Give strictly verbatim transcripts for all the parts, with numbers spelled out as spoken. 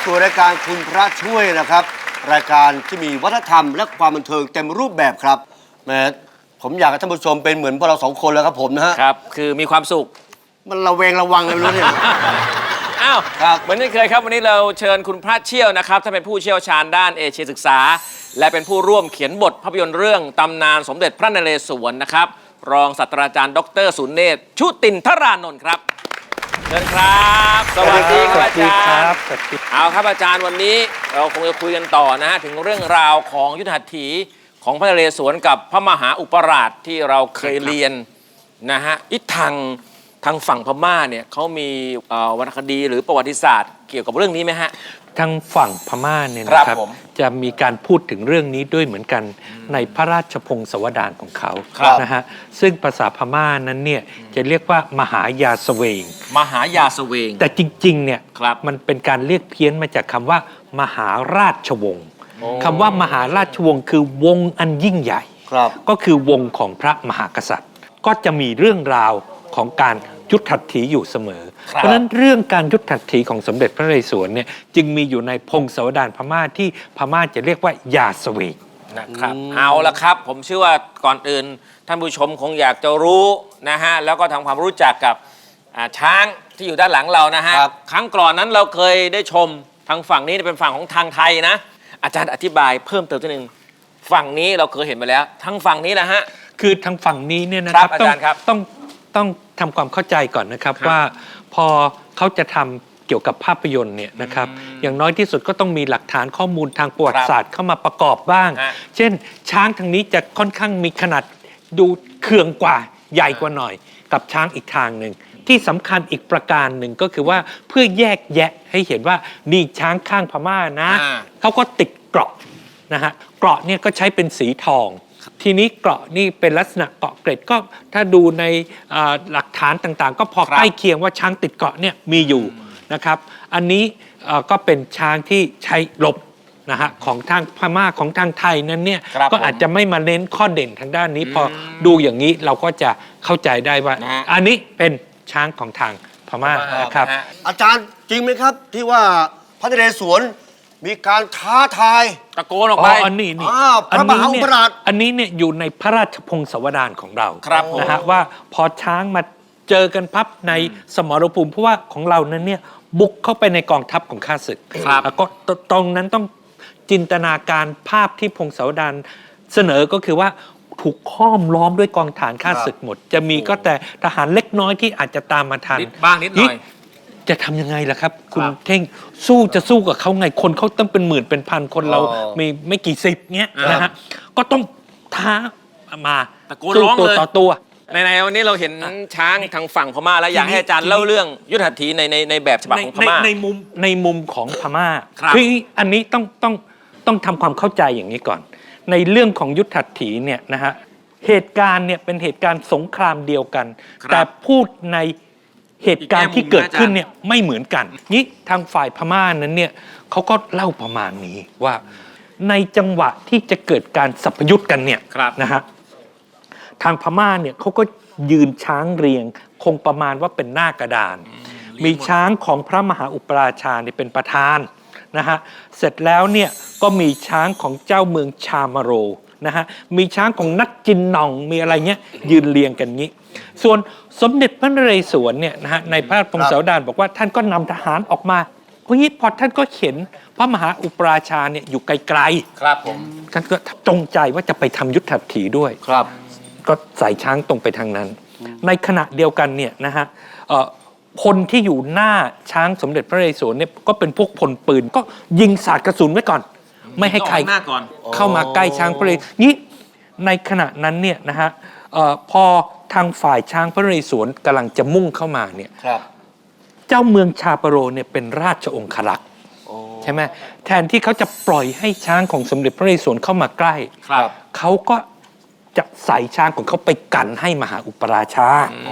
สู่รายการคุณพระช่วยนะครับรายการที่มีวัฒนธรรมและความบันเทิงเต็มรูปแบบครับแม้ผมอยากให้ท่านผู้ชมเป็นเหมือนพวกเราสองคนแล้วครับผมนะฮะครับคือมีความสุขมันระเวงระวังเลยไม่รู้เนี่ยอ้าวครับเหมือนที่เคยครับวันนี้เราเชิญคุณพระเชี่ยวนะครับท่านเป็นผู้เชี่ยวชาญด้านเอเชียศึกษาและเป็นผู้ร่วมเขียนบทภาพยนตร์เรื่องตำนานสมเด็จพระนเรศวรนะครับรองศาสตราจารย์ดรสุเนศชุตินทรานนท์ครับเชิญครับสวัสดีครับอาจารย์เอาครับอาจารย์วันนี้เราคงจะคุยกันต่อนะฮะถึงเรื่องราวของยุทธหัตถีของพระนเรศวรกับพระมหาอุปราชที่เราเคยเรียนนะฮะอีกทางทางฝั่งพม่าเนี่ยเขามีวรรณคดีหรือประวัติศาสตร์เกี่ยวกับเรื่องนี้ไหมฮะทางฝั่งพม่าเนี่ยนะครับจะมีการพูดถึงเรื่องนี้ด้วยเหมือนกันในพระราชพงศาวดารของเขานะฮะซึ่งภาษาพม่านั้นเนี่ยจะเรียกว่ามหายาสเวงมหายาสเวงแต่จริงๆเนี่ยมันเป็นการเรียกเพี้ยนมาจากคำว่ามหาราชวงศ์คำว่ามหาราชวงศ์คือวงอันยิ่งใหญ่ก็คือวงของพระมหากษัตริย์ก็จะมีเรื่องราวของการยุทธหัตถีอยู่เสมอเพราะฉะนั้นเรื่องการยุทธหัตถีของสมเด็จพระนเรศวรเนี่ยจึงมีอยู่ในพงศาวดารพม่าที่พม่าจะเรียกว่ายาสเวงนะครับเอาละครับผมเชื่อว่าก่อนอื่นท่านผู้ชมคงอยากจะรู้นะฮะแล้วก็ทำความรู้จักกับช้างที่อยู่ด้านหลังเรานะฮะครั้งก่อนนั้นเราเคยได้ชมทางฝั่งนี้เป็นฝั่งของทางไทยนะอาจารย์อธิบายเพิ่มเติมนิดนึงฝั่งนี้เราเคยเห็นไปแล้วทางฝั่งนี้นะฮะคือทางฝั่งนี้เนี่ยนะครับอาจารย์ครับต้องต้องทำความเข้าใจก่อนนะครับว่าพอเขาจะทำเกี่ยวกับภาพยนตร์เนี่ยนะครับอย่างน้อยที่สุดก็ต้องมีหลักฐานข้อมูลทางประวัติศาสตร์เข้ามาประกอบบ้างเช่นช้างทางนี้จะค่อนข้างมีขนาดดูเขื่องกว่าใหญ่กว่าหน่อยกับช้างอีกทางหนึ่งที่สำคัญอีกประการหนึ่งก็คือว่าเพื่อแยกแยะให้เห็นว่านี่ช้างข้างพม่านะเขาก็ติดเกราะนะฮะเกราะเนี่ยก็ใช้เป็นสีทองทีนี้เกราะนี่เป็นลักษณะเกาะเกร็ดก็ถ้าดูในหลักฐานต่างๆก็พอใกล้เคียงว่าช้างติดเกราะเนี่ยมีอยู่นะครับอันนี้ก็เป็นช้างที่ใช้รบนะฮะของทางพม่าของทางไทยนั้นเนี่ยก็อาจจะไม่มาเน้นข้อเด่นทางด้านนี้พอดูอย่างนี้เราก็จะเข้าใจได้ว่าอันนี้เป็นช้างของทางพม่านะครับอาจารย์จริงไหมครับที่ว่าพระนเรศวรมีการท้าทายตะโกนออกไปอันนี้นี่พระมหาอุปราชอันนี้เนี่ยอยู่ในพระราชพงศาวดารของเรานะฮะว่าพอช้างมาเจอกันพับในสมรภูมิเพราะว่าของเรานั้นเนี่ยบุกเข้าไปในกองทัพของข้าศึกแล้วก็ตรงนั้นต้องจินตนาการภาพที่พงศาวดารเสนอก็คือว่าถูกค้อมล้อมด้วยกองฐานข้าศึกหมดจะมีก็แต่ทหารเล็กน้อยที่อาจจะตามมาทันบ้างนิดหน่อยจะทำยังไงล่ะครับคุณเท่งสู้จะสู้กับเขาไงคนเขาต้องเป็นหมื่นเป็นพันคนเรามีไม่กี่สิบเนี้ยนะฮะก็ต้องท้ามาสู้ตัวต่อตัวในในวันนี้เราเห็นช้างทางฝั่งพม่าแล้วอยากให้อาจารย์เล่าเรื่องยุทธหัตถีในในในแบบฉบับของพม่าในมุมในมุมของพม่าคืออันนี้ต้องต้องต้องทำความเข้าใจอย่างนี้ก่อนในเรื่องของยุทธหัตถีเนี่ยนะฮะเหตุการณ์เนี่ยเป็นเหตุการณ์สงครามเดียวกันแต่พูดในเหตุการณ์ที่เกิดขึ้นเนี่ยไม่เหมือนกันนี่ทางฝ่ายพม่านั้นเนี่ยเขาก็เล่าประมาณนี้ว่าในจังหวะที่จะเกิดการสัพยุทธ์กันเนี่ยนะฮะทางพม่าเนี่ยเขาก็ยืนช้างเรียงคงประมาณว่าเป็นหน้ากระดานมีช้างของพระมหาอุปราชาเนี่ยเป็นประธานนะฮะเสร็จแล้วเนี่ยก็มีช้างของเจ้าเมืองชามาโรนะฮะมีช้างของนักจินนองมีอะไรเงี้ยยืนเรียงกันงี้ส่วนสมเด็จพระนเรศวรเนี่ยนะฮะในพระพงศาวดารบอกว่าท่านก็นำทหารออกมาเพราะงี้พอท่านก็เห็นพระมหาอุปราชาเนี่ยอยู่ไกลๆครับผมท่านก็จงใจว่าจะไปทำยุทธหัตถีด้วยครับก็ใส่ช้างตรงไปทางนั้นในขณะเดียวกันเนี่ยนะฮะคนที่อยู่หน้าช้างสมเด็จพระนเรศวรเนี่ยก็เป็นพวกพลปืนก็ยิงสาดกระสุนไว้ก่อนไม่ให้ใครเข้ามาใกล้ช้างพระนเรศวรนี้ในขณะนั้นเนี่ยนะฮะพอทางฝ่ายช้างพระนเรศวรกำลังจะมุ่งเข้ามาเนี่ยเจ้าเมืองชาปโรเนี่ยเป็นราชองครักษ์ใช่ไหมแทนที่เขาจะปล่อยให้ช้างของสมเด็จพระนเรศวรเข้ามาใกล้เขาก็จะใส่ช้างของเขาไปกันให้มหาอุปราชา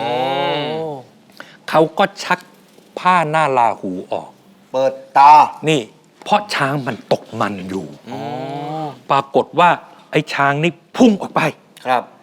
เขาก็ชักผ้าหน้าลาหูออกเปิดตานี่เพราะช้างมันตกมันอยู่ปรากฏว่าไอ้ช้างนี่พุ่งออกไปครับ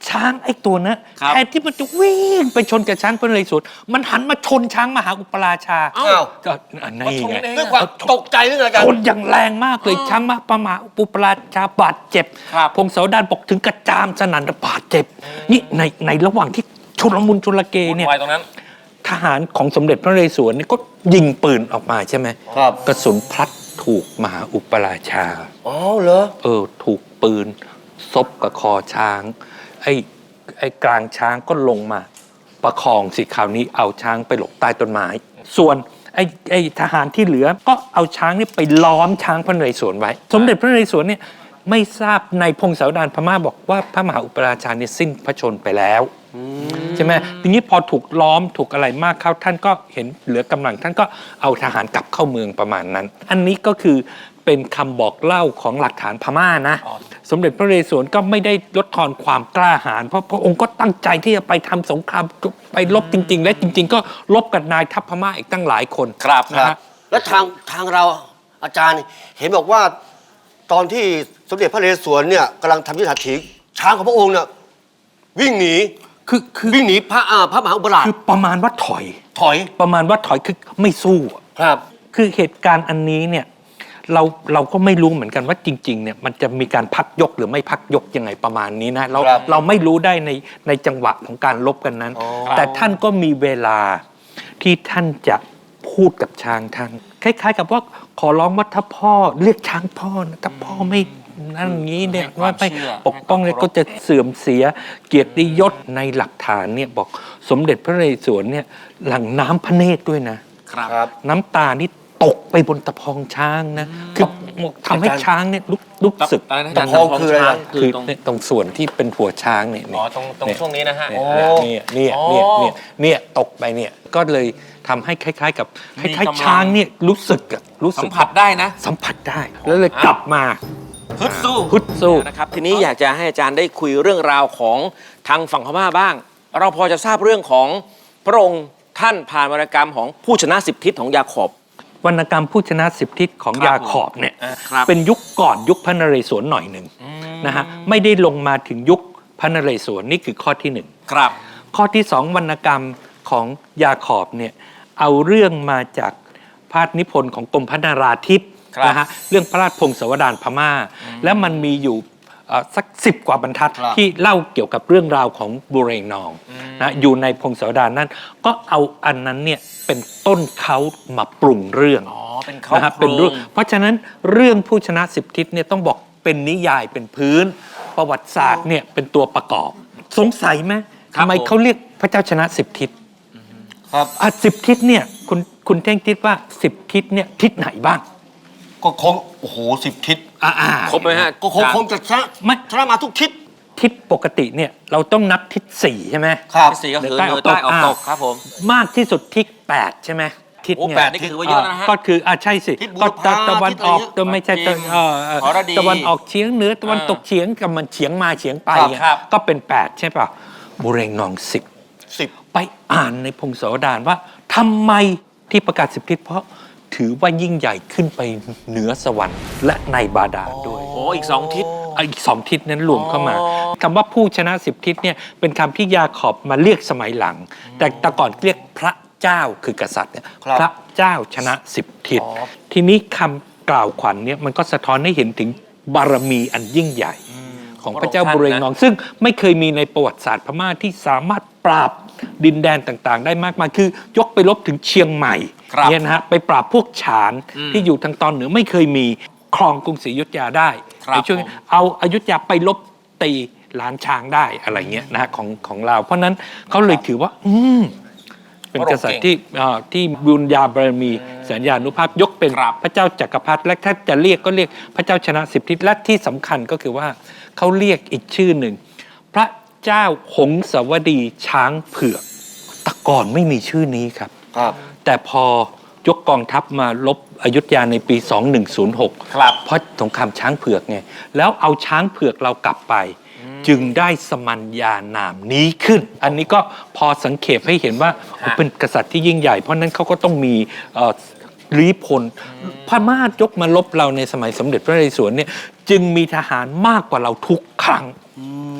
ช้างไอ้ตัวนั้นแทนที่มันจะวิ่งไปชนกับช้างพระนเรศวรมันหันมาชนช้างมหาอุปราชาอ้าวก็อันนี้ไงด้วยความตกใจหรือไงกันชนอย่างแรงมากเลยช้างมหาอุปราชาบาดเจ็บครับพงศาวดารบอกถึงกระจามสนั่นบาดเจ็บนี่ในในระหว่างที่ชุลมุนชุลเกเนี่ยไว้ตรงนั้นทหารของสมเด็จพระนเรศวรเนี่ยก็ยิงปืนออกมาใช่ไหมครับกระสุนพลัดถูกมหาอุปราชาอ๋อเหรอเออถูกปืนซบกับคอช้างไอ้ไอ้กลางช้างก็ลงมาประคองสิคราวนี้เอาช้างไปหลบใต้ต้นไม้ส่วนไอ้ไอ้ทหารที่เหลือก็เอาช้างนี่ไปล้อมช้างพระนเรศวรไว้ สมเด็จพระนเรศวรเนี่ยไม่ทราบในพงศาวดารพม่าบอกว่าพระมหาอุปราชาเนี่ยสิ้นพระชนม์ไปแล้วใช่ไหมทีนี้พอถูกล้อมถูกอะไรมากเข้าท่านก็เห็นเหลือกำลังท่านก็เอาทหารกลับเข้าเมืองประมาณนั้น อันนี้ก็คือเป็นคำบอกเล่าของหลักฐานพม่านะ สมเด็จพระนเรศวรก็ไม่ได้ลดทอนความกล้าหาญเพราะพระองค์ก็ตั้งใจที่จะไปทำสงครามไปรบจริง ๆ และจริง ๆ ก็รบกับนายทัพพม่าอีกตั้งหลายคนครับนะฮะแล้วทางทางเราอาจารย์เห็นบอกว่าตอนที่สมเด็จพระนเรศวรเนี่ยกำลังทำยุทธหัตถีช้างของพระองค์เนี่ยวิ่งหนีคือคือวิ่งหนีพระอ่าพระมหาอุปราชคือประมาณว่าถอยถอยประมาณว่าถอยคือไม่สู้อะครับคือเหตุการณ์อันนี้เนี่ยเราเราก็ไม่รู้เหมือนกันว่าจริงๆเนี่ยมันจะมีการพักยกหรือไม่พักยกยังไงประมาณนี้นะเราครับเราไม่รู้ได้ในในจังหวะของการลบกันนั้นอ๋อแต่ท่านก็มีเวลาที่ท่านจะพูดกับช้างท่านคล้ายๆ กับว่าขอร้องว่าถ้าพ่อเรียกช้างพ่อนะถ้าพ่อไม่นั่นอย่างนี้เนี่ยให้ความว่าไม่เชื่อปกป้องเนี่ยให้ความก็จะเสื่อมเสียเกียรติยศในหลักฐานเนี่ยบอกสมเด็จพระนเรศวรเนี่ยหลั่งน้ำพระเนตรด้วยนะครับครับน้ำตานี่ตกไปบนตะพองช้างนะ คือทำให้ช้างเนี่ยรู้รู้สึกอะไรนะตะพองคืออะไรช้างคืคือ อตรงเนี่ยตรงส่วนที่เป็นหัวช้างเนี่ยอ๋อตรงตรงเนี่ยช่วงนี้นะฮะเนี่ยเนี่ยอ๋อเนี่ยเนี่ยเนี่ยตกไปเนี่ยก็เลยทำให้คล้าย ๆ กับคมีล้ายกำลังๆช้างเนี่ยรู้สึกอะรู้สึสักมผัสได้นะสัมผัสได้ แล้วเลยกลับมาฮึดสู้ฮึดสู้นะครับทีนี้อยากจะให้อาจารย์ได้คุยเรื่องราวของทางฝั่งพม่าบ้าง เราพอจะทราบเรื่องของพระองค์ท่านผ่านวรรณกรรมของผู้ชนะสิบทิศของยาขอบวรรณกรรมผู้ชนะสิบทิศของครับยาขอบเนี่ยอ่าครับเป็นยุคก่อนยุคพระนเรศวรหน่อยหนึ่งนะฮะไม่ได้ลงมาถึงยุคพระนเรศวรนี่คือข้อที่หนึ่งครับข้อที่สองวรรณกรรมของยาขอบเนี่ยเอาเรื่องมาจากพาทนิพนธ์ของกรมพระนาราธิปครับนะฮะเรื่องพระราชพงศาวดารพม่า แล้วมันมีอยู่เอ่อสักสิบกว่าบรรทัดครับที่เล่าเกี่ยวกับเรื่องราวของบุเรงนองนะอยู่ในพงศาวดารนั้น ก็เอาอันนั้นเนี่ยเป็นต้นเขามาปรุงเรื่องอ๋อเป็นเขานะฮะโครเป็นเรื่องงเพราะฉะนั้นเรื่องผู้ชนะสิบทิศเนี่ยต้องบอกเป็นนิยายเป็นพื้น ประวัติศาสตร์เนี่ยเป็นตัวประกอบ สงสัยไหมครับทำไมผมเขาเรียกพระเจ้าชนะสิบทิศครับอ่ะสิบทิศเนี่ยคุณคุณเท่งคิดว่าสิบทิศเนี่ยทิศไหนบ้างก็คงโอ้โหสิบทิศอ่าครบไหมฮะก็คงคงจะชนะไม่ชนะมาทุกทิศทิศปกติเนี่ยเราต้องนับทิศสี่ใช่ไหมครับที่สี่ก็คือเหนืเหอนือใต้ใต้ออออก กตตกกครับผมมากที่สุดทิศแปดใช่ไหมทิศโอ้เนี่ยแปดนี่ก็ถือว่าเยอะนะฮะก็คืออ่าใช่สิทิศบุก็รพาตะวันออกทิศอะไรเงี้ยตัวไม่ใช่ตะเอ่อเอ่อหรดีตะวันออกเฉียงเหนือตะวันตกเฉียงกับมันเฉียงมาเฉียงไปครับอ่ะครับก็เป็นแปดใช่ป่ะบุเรงนองสิบสิบไปอ่านในพงศาวดารว่าทำไมที่ประกาศสิบทิศเพราะถือว่ายิ่งใหญ่ขึ้นไปเหนือสวรรค์และในบาดาลด้วยโอ้อีกสองทิศเอาอีกสองทิศนั้นรวมเข้ามาอ๋อคำว่าผู้ชนะสิบทิศเนี่ยเป็นคำที่ยาขอบมาเรียกสมัยหลัง แต่แต่ก่อนเรียกพระเจ้าคือกษัตริย์เนี่ยครับพระเจ้าชนะสิบทิศอ๋อทีนี้คำกล่าวขวัญเนี่ยมันก็สะท้อนให้เห็นถึงบารมีอันยิ่งใหญ่ ของพระเจ้าบุเรงนอง ซึ่งไม่เคยมีในประวัติศาสตร์พม่าที่สามารถปราบดินแดนต่างๆ ได้มากมายคือยกไปลบถึงเชียงใหม่ครับเนี่ยนะฮะไปปราบพวกฉานอืมที่อยู่ทางตอนเหนือไม่เคยมีครองกรุงศรีอยุธยาได้ครับในช่วงผมเอาอยุธยาไปลบตีล้านช้างได้อะไรเงี้ยนะฮะของของเรา เพราะนั้นเขาเลยถือว่า อืมเป็นกษัตริย์ที่อ่าที่บุญญาบารมีสัญญานุภาพยกเป็นครับพระเจ้าจักรพรรดิและถ้าจะเรียกก็เรียกพระเจ้าชนะสิบทิศและที่สำคัญก็คือว่าเขาเรียกอีกชื่อหนึ่ง พระเจ้าหงสาวดีช้างเผือกแต่ก่อนไม่มีชื่อนี้ครับครับแต่พอยกกองทัพมาลบอยุธยาในปีสองหนึ่งศูนย์หกครับเพราะสงครามช้างเผือกไงแล้วเอาช้างเผือกเรากลับไป จึงได้สมัญญานามนี้ขึ้น อันนี้ก็พอสังเขปให้เห็นว่าฮะเป็นกษัตริย์ที่ยิ่งใหญ่ เพราะนั้นเขาก็ต้องมีเอ่อรีพลพม่ายกมาลบเราในสมัยสมเด็จพระนเรศวรเนี่ยจึงมีทหารมากกว่าเราทุกครั้ง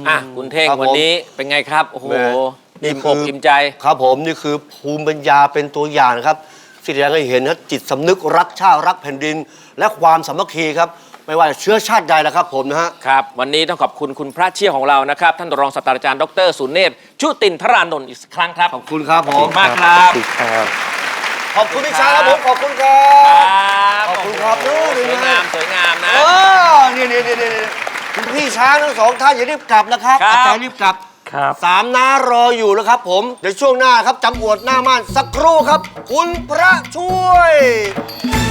อ่ะคุณเท่งครับผมวันนี้เป็นไงครับ โอ้โหแหมอิ่มคือกอิ่มใจครับผมนี่คือภูมิปัญญาเป็นตัวอย่างนะครับที่แสดงให้เห็นนะจิตสำนึกรักชาติรักแผ่นดิน และความสามัคคีครับไม่ว่าเชื้อชาติใดนะครับผมนะฮะครับ วันนี้ต้องขอบคุณคุณพระเชี่ยวของเรานะครับ ท่านรองศาสตราจารย์ดรสุเนศชุตินทรานนท์อีกครั้งครับขอบคุณครับผมขอบคุณมากครับขอบคุณครับขอบคุณพี่ช้างครับผมขอบคุณครัครับ บขอบคุณครับโอ้โหนู่นสวยงามสวยงามนะเออเนี่ยเนี่ยเนี่ยเนี่ยคุณพี่ช้างทั้งสองท่านอย่ารีบกลับนะครับครับอาจารย์รีบกลับครับสามน้ารออยู่แล้วครับผมเดี๋ยวช่วงหน้าครับจำอวดหน้าม่านสักครู่ครับ คุณพระช่วย